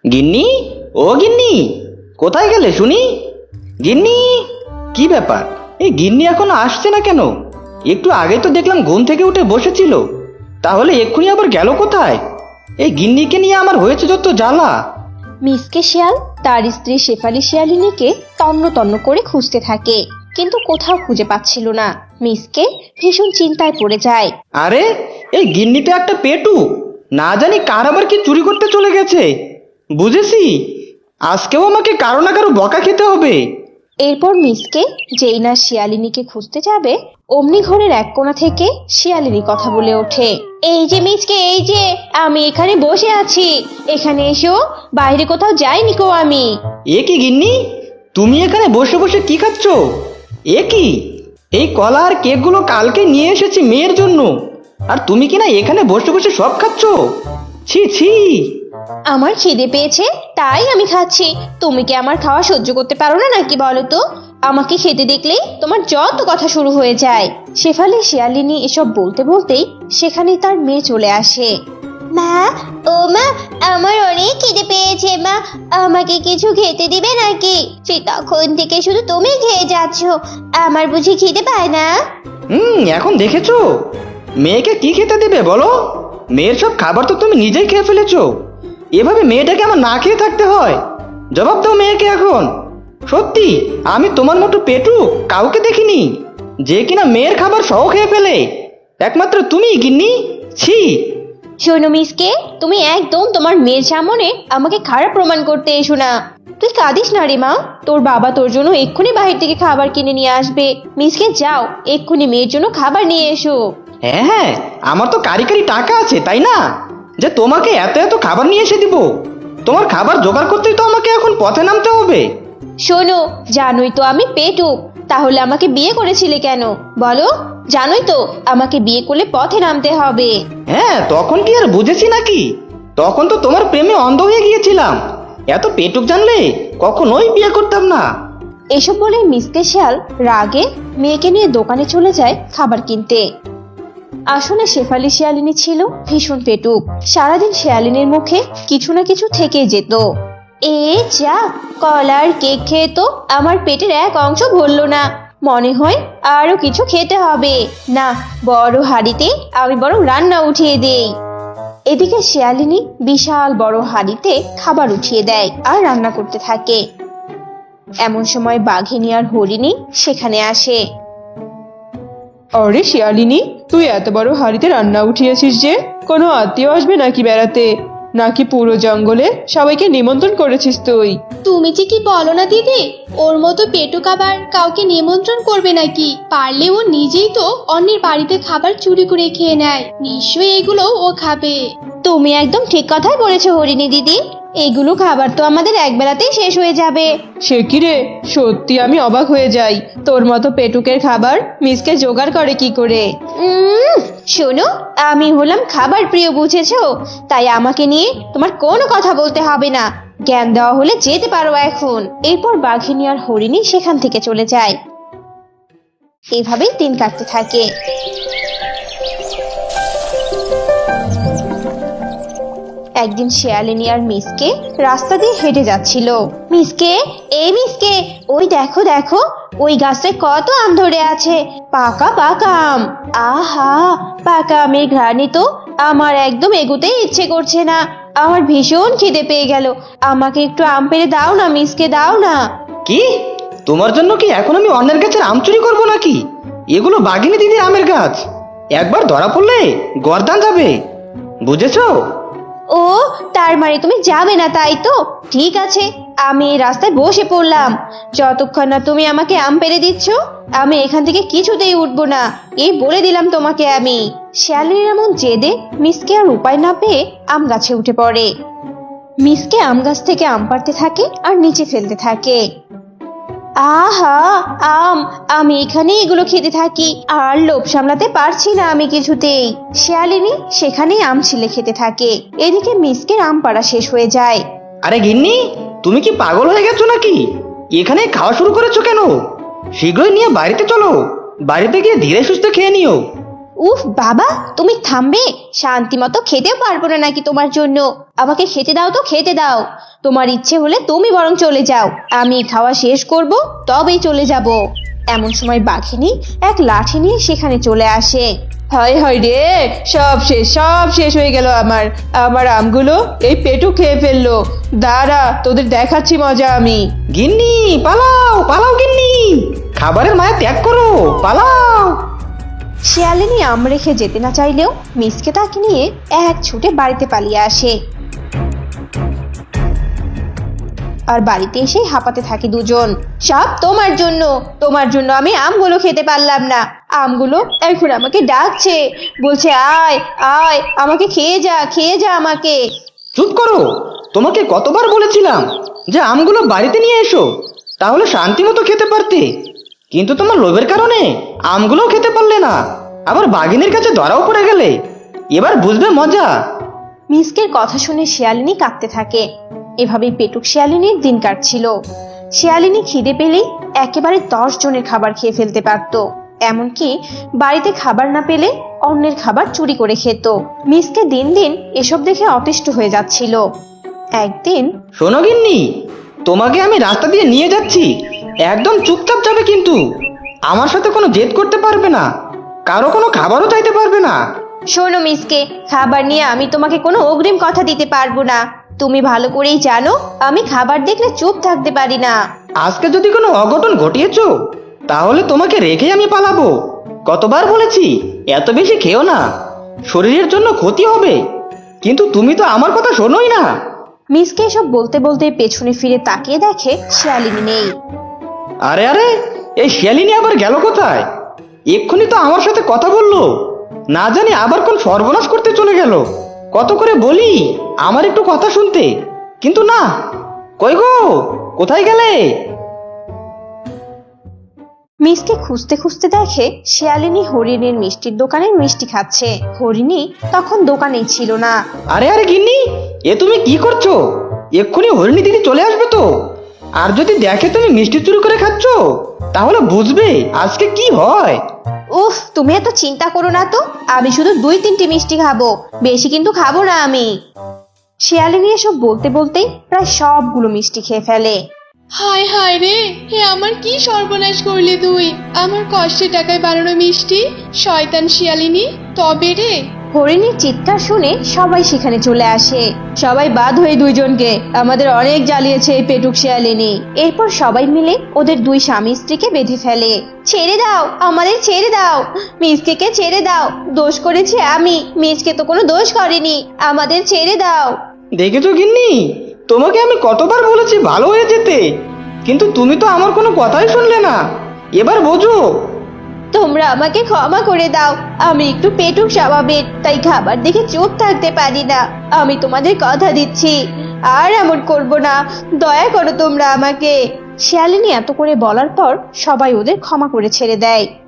গিন্নি, ও গিন্নি, কোথায় গেলে শুনি? গিন্নি, কি ব্যাপার? এই গিন্নি এখনো আসছে না কেন? একটু আগে তো দেখলাম ঘুম থেকে উঠে বসেছিল, তাহলে এক্ষুনি আবার গেল কোথায়? এই গিন্নিকে নিয়ে আমার হয়েছে যত জ্বালা। মিসকে শিয়াল তার স্ত্রী শেফালি শিয়ালিনীকে তন্ন তন্ন করে খুঁজতে থাকে, কিন্তু কোথাও খুঁজে পাচ্ছিল না। মিসকে ভীষণ চিন্তায় পড়ে যায়। আরে, এই গিন্নিটা একটা পেটু, না জানি কার আবার কি চুরি করতে চলে গেছে। বুঝেছি, আজকেও আমাকে কারো না কারো বকা খেতে হবে। এরপর মিসকে যেই না শিয়ালিনীকে খুঁজতে যাবে, অমনি ঘরের এক কোণা থেকে শিয়ালিনী কথা বলে ওঠে। এই যে মিসকে, এই যে আমি এখানে বসে আছি, এখানে এসো, বাইরে কোথাও যাইনি কো আমি। এ কি গিন্নি, তুমি এখানে বসে বসে কি খাচ্ছ? এ কি, এই কলা আর কেকগুলো কালকে নিয়ে এসেছি মেয়ের জন্য, আর তুমি কিনা এখানে বসে বসে সব খাচ্ছ? ছি ছি। আমার খিদে পেয়েছে তাই আমি খাচ্ছি। তুমি কি আমার খাওয়া সহ্য করতে পারো না নাকি বলো তো? আমাকে খেতে দেখলেই তোমার যত কথা শুরু হয়ে যায়। শেফালি শিয়ালিনী এসব বলতে বলতেই সেখানেই তার মেয়ে চলে আসে। মা, ও মা, আমার অনেক খিদে পেয়েছে মা, আমাকে কিছু খেতে দিবে নাকি? সে তখন থেকে শুধু তুমি খেয়ে যাচ্ছ, আমার বুঝি খিদে পায় না? এখন দেখেছো মেয়েকে কি খেতে দেবে বলো? মেয়ের সব খাবার তো তুমি নিজেই খেয়ে ফেলেছো। এভাবে মেয়েটাকে আমার না খেয়ে থাকতে হয়? জবাব দাও মেয়েকে এখন। সত্যি আমি তোমার মতো পেটু কাউকে দেখিনি যে কিনা মেয়ের খাবার সহ খেয়ে ফেলে। একমাত্র তুমি গিন্নি। ছি। শোনো মিসকে, তুমি একদম তোমার মেয়ের সামনে আমাকে খারাপ প্রমাণ করতে এসো না। তুই কাঁদিস না রে মা, তোর বাবা তোর জন্য এক্ষুনি বাহির থেকে খাবার কিনে নিয়ে আসবে। মিসকে যাও, এক্ষুনি মেয়ের জন্য খাবার নিয়ে এসো। হ্যাঁ হ্যাঁ, আমার তো কারি কারি টাকা আছে তাই না, যে তোমাকে এত এত খাবার নিয়ে এসে দিব? তোমার খাবার জোগাড় করতেই তো আমাকে এখন পথে নামতে হবে। শোনো, জানোই তো আমি পেটুক, তাহলে আমাকে বিয়ে করেছিলে কেন বলো? জানোই তো আমাকে বিয়ে করলে পথে নামতে হবে। হ্যাঁ, তখন কি আর বুঝেছি নাকি? তখন তো তোমার প্রেমে অন্ধ হয়ে গিয়েছিলাম। এত পেটুক জানলে কখনোই বিয়ে করতাম না। এসব বলে মিসকে শিয়াল রাগে মেয়েকে নিয়ে দোকানে চলে যায় খাবার কিনতে। আসলে শেফালি শিয়ালিনী ছিল ভীষণ পেটুক। সারাদিন শিয়ালিনীর মুখে কিছু না কিছু থেকে যেত। এ যা, কলার কেক খেয়ে তো আমার পেটের এক অংশ ভরলো না, মনে হয় আরো কিছু খেতে হবে। না, বড় হাঁড়িতে আমি বরং রান্না উঠিয়ে দেই। এদিকে শিয়ালিনী বিশাল বড় হাঁড়িতে খাবার উঠিয়ে দেয় আর রান্না করতে থাকে। এমন সময় বাঘিনী আর হরিণী সেখানে আসে। আরে শিয়ালিনী, তুই এত বড় হাঁড়িতে রান্না উঠিয়েছিস যে? কোনো আত্মীয় আসবে নাকি বেড়াতে? নাকি পুরো জঙ্গলে সবাইকে নিমন্ত্রণ করেছিস তুই? তুমি যে কি বলো না দিদি, ওর মতো পেটুক আবার কাউকে নিমন্ত্রণ করবে নাকি? পারলে ও নিজেই তো অন্যের বাড়িতে খাবার চুরি করে খেয়ে নেয়, নিশ্চয়ই এগুলো ও খাবে। তুমি একদম ঠিক কথাই বলেছো হরিণী দিদি, এগুলো খাবার তো আমাদের একবেলাতেই শেষ হয়ে যাবে। সে কি রে, সত্যি আমি অবাক হয়ে যাই। তোর মতো পেটুকের খাবার মিসকে জোগাড় করে কি করে? শোনো, আমি হলাম খাবার প্রিয় বুঝেছো, তাই আমাকে নিয়ে তোমার কোনো কথা বলতে হবে না। জ্ঞান দেওয়া হলে যেতে পারো এখন। এরপর বাঘিনী আর হরিণী সেখান থেকে চলে যায়। এভাবেই দিন কাটতে থাকে। একদিন শিয়ালিনী আর মিসকে রাস্তা দিয়ে হেঁটে যাচ্ছিল। মিসকে, এই মিসকে, ওই দেখো দেখো, ওই গাছে কত আম ধরে আছে, পাকা পাকা আম। আহা, পাকা আমের ঘ্রাণে তো আমার একদম এগোতেই ইচ্ছে করছে না। আমার ভীষণ খিদে পেয়ে গেল, আমাকে একটু আম পেড়ে দাও না মিসকে, দাও না। কি, তোমার জন্য কি এখন আমি অন্যের গাছের আম চুরি করবো নাকি? এগুলো বাঘিনী দিদির আমের গাছ, একবার ধরা পড়লে গর্দান যাবে, বুঝেছো? ও, তার মানে তুমি যাবে না তাই তো? ঠিক আছে, আমি এই রাস্তায় বসে পড়লাম। যতক্ষণ না তুমি আমাকে আম পেড়ে দিচ্ছ, আমি এখান থেকে কিছুতেই উঠবো না, এই বলে দিলাম তোমাকে আমি। শিয়ালিনীর এমন জেদে মিসকে আর উপায় না পেয়ে আম গাছে উঠে পড়ে। মিসকে আম গাছ থেকে আম পাড়তে থাকে আর নিচে ফেলতে থাকে। আহা, আম, আমি এখানে এগুলো খেতে থাকি, আর লোভ সামলাতে পারছি না আমি কিছুতেই। শিয়ালিনী সেখানেই আম ছিলে খেতে থাকে। এদিকে মিসকের আম পাড়া শেষ হয়ে যায়। আরে গিন্নি, তুমি কি পাগল হয়ে গেছো নাকি? এখানে খাওয়া শুরু করেছো কেন? শীঘ্রই নিয়ে বাড়িতে চলো, বাড়িতে গিয়ে ধীরে সুস্থে খেয়ে নিও। উফ বাবা, তুমি থামবে? শান্তি মতো খেতেও পারবো না নাকি তোমার জন্য? আমাকে খেতে দাও তো, খেতে দাও। তোমার ইচ্ছে হলে তুমি বরং চলে যাও, আমি খাওয়া শেষ করব তবেই চলে যাব। এমন সময় বাঘিনী এক লাঠি নিয়ে সেখানে চলে আসে। হায় হায় রে, সব শেষ হয়ে গেল আমার। আমার আমগুলো এই পেটু খেয়ে ফেললো। দাঁড়া, তোদের দেখাচ্ছি মজা আমি। গিন্নি পালাও, পালাও গিন্নি, খাবারের মায়া ত্যাগ করো, পালাও। শিয়ালিনী আম রেখে যেতে না চাইলেও মিসকে তাকে নিয়ে এক ছুটে বাড়িতে পালিয়ে আসে। আর বাড়িতে এসে হাঁপাতে থাকে দুজন। সব তোমার জন্য, তোমার জন্য আমি আমগুলো খেতে পারলাম না। আমগুলো এখন আমাকে ডাকছে, বলছে আয় আয়, আমাকে খেয়ে যা, খেয়ে যা আমাকে। চুপ করো, তোমাকে কতবার বলেছিলাম যে আমগুলো বাড়িতে নিয়ে এসো, তাহলে শান্তি মতো খেতে পারতে। কিন্তু তোমার লোভের কারণে আমগুলোও খেতে পারলে না, আবার বাঘিনীর কাছে ধরাও পড়ে গেলে। এবার বুঝবে মজা। মিসকের কথা শুনে শিয়ালিনী কাঁদতে থাকে। এভাবেই পেটুক শিয়ালিনীর দিন কাটছিল। শিয়ালিনী খিদে পেলেই একেবারে 10 জনের খাবার খেয়ে ফেলতে পারত। এমনকি বাড়িতে খাবার না পেলে অন্যের খাবার চুরি করে খেত। মিসকে দিন দিন এসব দেখে অতিষ্ঠ হয়ে যাচ্ছিল। একদিন শোনো গিন্নি, তোমাকে আমি রাস্তা দিয়ে নিয়ে যাচ্ছি, একদম চুপচাপ যাবে, কিন্তু আমার সাথে কোনো জেদ করতে পারবে না, কারো কোনো খাবারও চাইতে পারবে না। শোনো মিসকে, খাবার নিয়ে আমি তোমাকে কোনো অগ্রিম কথা দিতে পারবো না। তুমি ভালো করেই জানো আমি খাবার দেখলে চুপ থাকতে পারি না। আজকে যদি কোনো অঘটন ঘটিয়েছো, তাহলে তোমাকে রেখে আমি পালাবো। কতবার বলেছি এত বেশি খেও না, শরীরের জন্য ক্ষতি হবে, কিন্তু তুমি তো আমার কথা শোনোই না। মিসকে এসব বলতে বলতে পেছনে ফিরে তাকিয়ে দেখে শিয়ালিনী নেই। আরে আরে, এই শিয়ালিনী আবার গেল কোথায়? এক্ষুনি তো আমার সাথে কথা বললো, না জানি আবার কোন সর্বনাশ করতে চলে গেল। কত করে বলি আমার একটু কথা শুনতে, কিন্তু না। কই গো, কোথায় গেলে? মিসকে খুঁজতে খুঁজতে দেখে শিয়ালিনী হরিণের মিষ্টির দোকানে মিষ্টি খাচ্ছে। হরিণী তখন দোকানেই ছিল না। আরে আরে গিন্নি, এ তুমি কি করছো? এক্ষুনি হরিণী দিদি চলে আসবে তো, আর যদি দেখে তুমি মিষ্টি চুরি করে খাচ্ছ, তাহলে বুঝবে আজকে কি হয়। উফ, তুমি এত চিন্তা করো না তো, আমি শুধু 2-3টি মিষ্টি খাবো, বেশি কিন্তু খাবো না আমি। শিয়ালিনী এসব বলতে বলতেই প্রায় সবগুলো মিষ্টি খেয়ে ফেলে। হায় হায় রে, হে আমার কি সর্বনাশ করলি তুই! আমার কষ্টে টাকায় বানানো মিষ্টি, শয়তান শিয়ালিনী! তবে রে, হরিণীর চিৎকার শুনে সবাই সেখানে চলে আসে। সবাই বাদ হয়ে দুইজনকে, আমাদের অনেক জ্বালিয়েছে এই পেটুক শিয়ালিনী। এরপর সবাই মিলে ওদের 2 স্বামী স্ত্রীকে বেঁধে ফেলে। ছেড়ে দাও, আমাদের ছেড়ে দাও, মিসকে ছেড়ে দাও, দোষ করেছি আমি, মিসকে তো কোনো দোষ করেনি, আমাদের ছেড়ে দাও। দেখেছো গিন্নি, তোমাকে আমি কতবার বলেছি ভালো হয়ে যেতে, কিন্তু তুমি তো আমার কোনো কথাই শুনলে না। এবার বোঝো। তোমরা আমাকে ক্ষমা করে দাও, আমি একটু পেটুক স্বভাবের, তাই খাবার দেখে চুপ থাকতে পারি না। আমি তোমাদের কথা দিচ্ছি আর এমন করব না, দয়া করো তোমরা আমাকে। শিয়ালিনী এত করে বলার পর সবাই ওদের ক্ষমা করে ছেড়ে দেয়।